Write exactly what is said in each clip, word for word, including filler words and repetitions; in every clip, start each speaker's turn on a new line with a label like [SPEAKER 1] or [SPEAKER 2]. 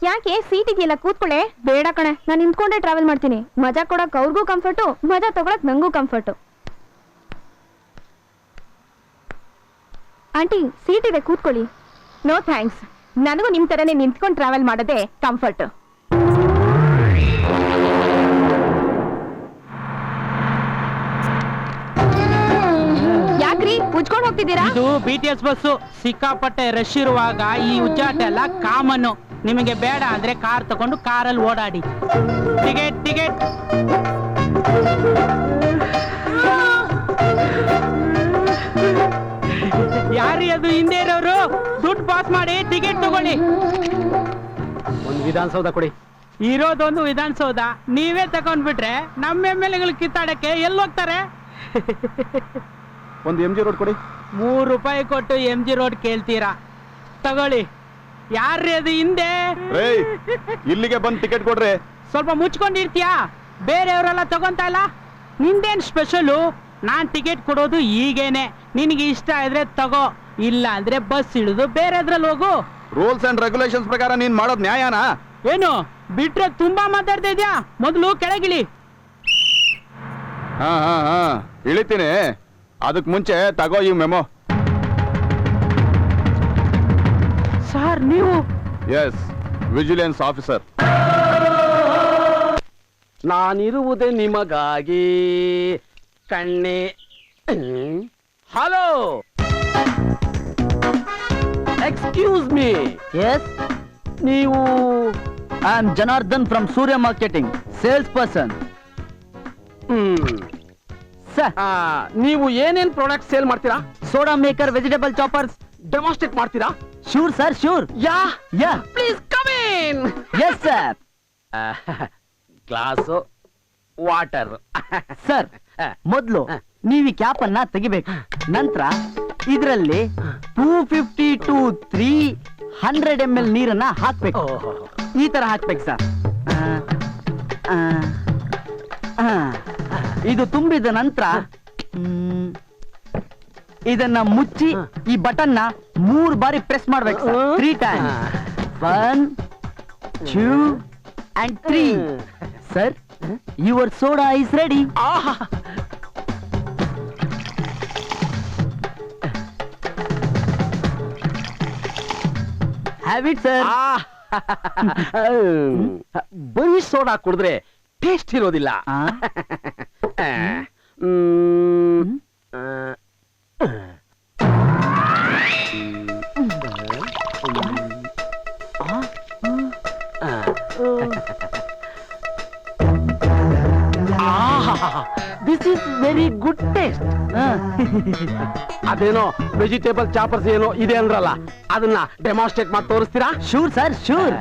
[SPEAKER 1] ಯಾಕೆ ಸೀಟ್ ಇದೆಯಲ್ಲ ಕೂತ್ಕೊಳ್ಳೆ. ಬೇಡ ಕಣೆ, ನಾನು ನಿಂತ್ಕೊಂಡೆ ಟ್ರಾವೆಲ್ ಮಾಡ್ತೀನಿ. ಮಜಾ ಕೊಡಕ್ ಅವ್ರಿಗೂ ಕಂಫರ್ಟು, ಮಜಾ ತಗೊಳಕ್ ನಂಗೂ ಕಂಫರ್ಟು. ಆಂಟಿ ಸೀಟ್ ಇದೆ ಕೂತ್ಕೊಳ್ಳಿ. ನೋ ಥ್ಯಾಂಕ್ಸ್, ನನಗೂ ನಿಮ್ ತರನೇ ನಿಂತ್ಕೊಂಡು ಟ್ರಾವೆಲ್ ಮಾಡೋದೇ ಕಂಫರ್ಟ್. ಯಾಕ್ರಿ ಉಜ್ಕೊಂಡು ಹೋಗ್ತಿದ್ದೀರಾ?
[SPEAKER 2] ಇದು ಬಿ ಟಿ ಎಸ್ ಬಸ್ಸು. ಸಿಕ್ಕಾಪಟ್ಟೆ ರಶ್ ಇರುವಾಗ ಈ ಉಜ್ಜಾಟ ಎಲ್ಲ ಕಾಮನ್ನು. ನಿಮಗೆ ಬೇಡ ಅಂದ್ರೆ ಕಾರ್ ತಗೊಂಡು ಕಾರಲ್ಲಿ ಓಡಾಡಿ. Ticket ticket. ಯಾರಿ ಅದು ಹಿಂದೆ ಇರೋರು? ದುಡ್ಡು ಪಾಸ್ ಮಾಡಿ ಟಿಕೆಟ್ ತಗೊಳ್ಳಿ.
[SPEAKER 3] ಒಂದು ವಿಧಾನಸೌಧ ಕೊಡಿ.
[SPEAKER 2] ಇರೋದೊಂದು ವಿಧಾನಸೌಧ, ನೀವೇ ತಗೊಂಡ್ಬಿಟ್ರೆ ನಮ್ಮ ಎಮ್ ಎಲ್ ಎಗಳು ಕಿತ್ತಾಡಕ್ಕೆ ಎಲ್ಲಿ ಹೋಗ್ತಾರೆ?
[SPEAKER 3] ಒಂದು ಎಂ ಜಿ ರೋಡ್ ಕೊಡಿ.
[SPEAKER 2] ಮೂರು ರೂಪಾಯಿ ಕೊಟ್ಟು ಎಂ ಜಿ ರೋಡ್ ಕೇಳ್ತೀರಾ? ತಗೊಳ್ಳಿ. ಯಾರ್ರಿ ಅದು ಹಿಂದೆ?
[SPEAKER 3] ಇಲ್ಲಿಗೆ ಬಂದು ಟಿಕೆಟ್ ಕೊಡ್ರಿ.
[SPEAKER 2] ಸ್ವಲ್ಪ ಮುಚ್ಕೊಂಡಿರ್ತೀಯಾ? ಬೇರೆಯವರೆಲ್ಲ ತಗೊಂತ ಇಲ್ಲ. ನಿಂದೇನ್ ಸ್ಪೆಷಲು? ನಾನ್ ಟಿಕೆಟ್ ಕೊಡೋದು ಈಗೇನೆ. ನಿನಗೆ ಇಷ್ಟ ಇದ್ರೆ ತಗೋ, ಇಲ್ಲ ಅಂದ್ರೆ ಬಸ್ ಇಳಿದು ಬೇರೆದ್ರಲ್ಲಿ ಹೋಗು.
[SPEAKER 3] ರೂಲ್ಸ್ ಅಂಡ್ ರೆಗ್ಯುಲೇಷನ್ಸ್ ಪ್ರಕಾರ ನೀನ್ ಮಾಡೋದ್ ನ್ಯಾಯನಾ?
[SPEAKER 2] ಏನು ಬಿಟ್ರೆ ತುಂಬಾ ಮಾತಾಡ್ತಾ ಇದ್ಯಾ? ಮೊದಲು ಕೆಳಗಿಳಿ.
[SPEAKER 3] ಹಾ ಹಾ ಹಾ ಇಳಿತೀನಿ. ಅದಕ್ ಮುಂಚೆ ತಗೋ ಈ ಮೆಮೊ.
[SPEAKER 2] ಸರ್ ನೀವು?
[SPEAKER 3] Yes, vigilance officer.
[SPEAKER 4] ನಾನಿರುವುದೇ ನಿಮಗಾಗಿ ಕಣ್ಣೆ. Hello, excuse me.
[SPEAKER 5] ಎಸ್,
[SPEAKER 4] ನೀವು?
[SPEAKER 5] I am Janardhan from Surya marketing, sales person.
[SPEAKER 4] Hmm
[SPEAKER 5] sir,
[SPEAKER 4] ನೀವು ಏನೇನ್ ಪ್ರಾಡಕ್ಟ್ ಸೇಲ್ ಮಾಡ್ತೀರಾ?
[SPEAKER 5] Soda maker, vegetable choppers.
[SPEAKER 4] Demonstrate ಮಾಡ್ತೀರಾ?
[SPEAKER 5] Sure sir, sure.
[SPEAKER 4] Yeah
[SPEAKER 5] yeah,
[SPEAKER 4] please come in.
[SPEAKER 5] Yes sir.
[SPEAKER 4] Glass, water.
[SPEAKER 5] Sir, ಮೊದಲು ನೀವು ಈ cap ಅನ್ನ ತೆಗಿಬೇಕು. ನಂತರ ಇದರಲ್ಲಿ two fifty to three hundred M L ನೀರನ್ನ ಹಾಕ್ಬೇಕು. ಈ ತರ ಹಾಕ್ಬೇಕು ಸರ್. ಆ, ಆ, ಇದು ತುಂಬಿದ ನಂತರ ಇದನ್ನ ಮುಚ್ಚಿ ಈ ಬಟನ್ ನ ಮೂರು ಬಾರಿ ಪ್ರೆಸ್ ಮಾಡ್ಬೇಕು. Three time. One, two and three. Sir, your soda is ready. Have it sir.
[SPEAKER 4] ಬರೀ ಸೋಡಾ ಕುಡಿದ್ರೆ ಟೇಸ್ಟ್ ಇರೋದಿಲ್ಲ. This is very good taste. ಅದೇನೋ ವೆಜಿಟೇಬಲ್ ಚಾಪರ್ಸ್ ಏನೋ ಇದೆ ಅಂದ್ರಲ್ಲ, ಅದನ್ನ ಡೆಮಾನ್ಸ್ಟ್ರೇಟ್ ಮಾಡಿ ತೋರಿಸ್ತೀರಾ?
[SPEAKER 5] Sure sir, sure.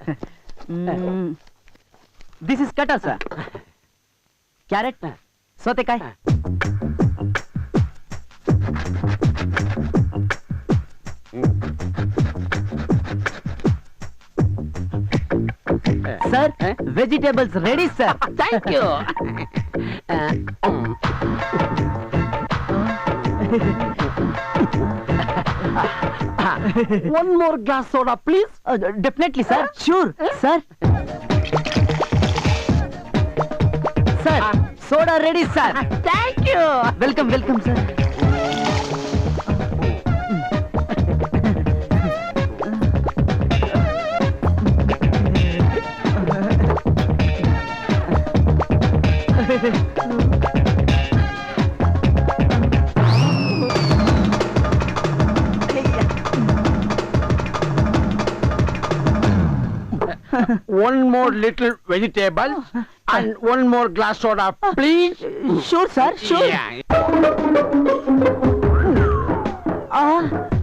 [SPEAKER 5] This is cutter sir. Carrot, ಸೌತೆಕಾಯಿ. Sir, vegetables ready sir.
[SPEAKER 4] Thank you. One more glass soda please.
[SPEAKER 5] Definitely sir, sure sir. Sir, soda ready sir.
[SPEAKER 4] Thank you.
[SPEAKER 5] Welcome welcome sir.
[SPEAKER 4] One more little vegetable and one more glass soda, please.
[SPEAKER 5] Sure, sir. Sure.
[SPEAKER 4] Yeah.
[SPEAKER 5] Ah.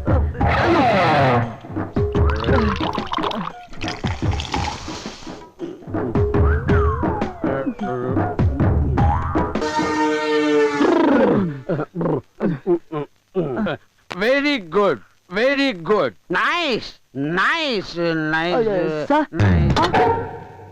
[SPEAKER 4] Very good. Very good. Nice. Nice. Nice.
[SPEAKER 5] Uh, sir?
[SPEAKER 4] Nice.
[SPEAKER 5] Ah.